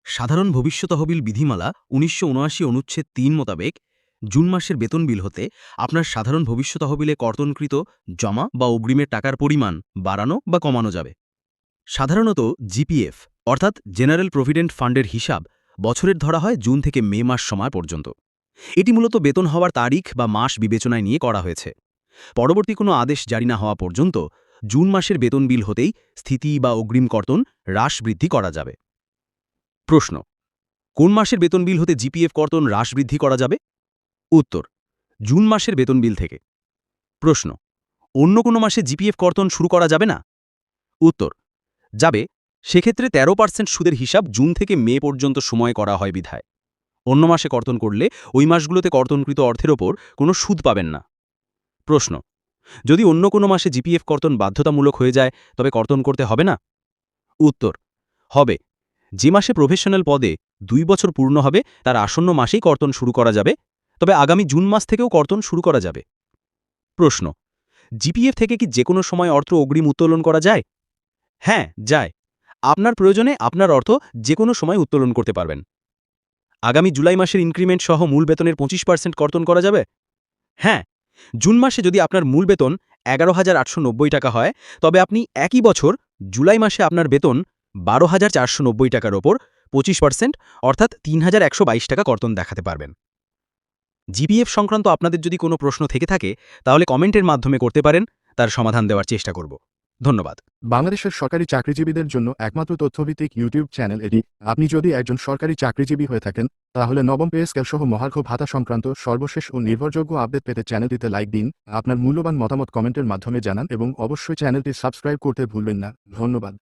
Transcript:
সাধারণ ভবিষ্যৎ তহবিল বিধিমালা ১৯৭৯ অনুচ্ছেদ ৩ মোতাবেক জুন মাসের বেতন বিল হতে আপনার সাধারণ ভবিষ্যৎ তহবিলে কর্তনকৃত জমা বা অগ্রিমের টাকার পরিমাণ বাড়ানো বা কমানো যাবে। সাধারণত জিপিএফ অর্থাৎ জেনারেল প্রভিডেন্ট ফান্ডের হিসাব বছরের ধরা হয় জুন থেকে মে মাস সময় পর্যন্ত। এটি মূলত বেতন হওয়ার তারিখ বা মাস বিবেচনায় নিয়ে করা হয়েছে। পরবর্তী কোনো আদেশ জারি না হওয়া পর্যন্ত জুন মাসের বেতন বিল হতেই স্থিতি বা অগ্রিম কর্তন হ্রাস বৃদ্ধি করা যাবে। প্রশ্ন: কোন মাসের বেতন বিল হতে জিপিএফ কর্তন হ্রাস বৃদ্ধি করা যাবে? উত্তর: জুন মাসের বেতন বিল থেকে। প্রশ্ন: অন্য কোনো মাসে জিপিএফ কর্তন শুরু করা যাবে না? উত্তর: যাবে, সেক্ষেত্রে 13% সুদের হিসাব জুন থেকে মে পর্যন্ত সময় করা হয় বিধায়। অন্য মাসে কর্তন করলে ওই মাসগুলোতে কর্তনকৃত অর্থের ওপর কোনো সুদ পাবেন না। প্রশ্ন: যদি অন্য কোনো মাসে জিপিএফ কর্তন বাধ্যতামূলক হয়ে যায় তবে কর্তন করতে হবে না? উত্তর: হবে। যে মাসে প্রফেশনাল পদে 2 বছর পূর্ণ হবে তার আসন্ন মাসেই কর্তন শুরু করা যাবে, তবে আগামী জুন মাস থেকেও কর্তন শুরু করা যাবে। প্রশ্ন: জিপিএফ থেকে কি যে কোনো সময় অর্থ অগ্রিম উত্তোলন করা যায়? হ্যাঁ, যায়। আপনার প্রয়োজনে আপনার অর্থ যে কোনো সময় উত্তোলন করতে পারবেন। আগামী জুলাই মাসের ইনক্রিমেন্ট সহ মূল বেতনের 25% কর্তন করা যাবে? হ্যাঁ, জুন মাসে যদি আপনার মূল বেতন 11,890 টাকা হয়, তবে আপনি একই বছর জুলাই মাসে আপনার বেতন 12,490 টাকার ওপর 25% অর্থাৎ 3,122 টাকা কর্তন দেখাতে পারবেন। জিপিএফ সংক্রান্ত আপনাদের যদি কোনো প্রশ্ন থেকে থাকে তাহলে কমেন্টের মাধ্যমে করতে পারেন, তার সমাধান দেওয়ার চেষ্টা করব। ধন্যবাদ। বাংলাদেশের সরকারি চাকরিজীবীদের জন্য একমাত্র তথ্যভিত্তিক ইউটিউব চ্যানেল এটি। আপনি যদি একজন সরকারি চাকরিজীবী হয়ে থাকেন তাহলে নবম পে স্কেল সহ মহার্ঘ ভাতা সংক্রান্ত সর্বশেষ ও নির্ভরযোগ্য আপডেট পেতে চ্যানেলটিতে লাইক দিন, আপনার মূল্যবান মতামত কমেন্টের মাধ্যমে জানান এবং অবশ্যই চ্যানেলটি সাবস্ক্রাইব করতে ভুলবেন না। ধন্যবাদ।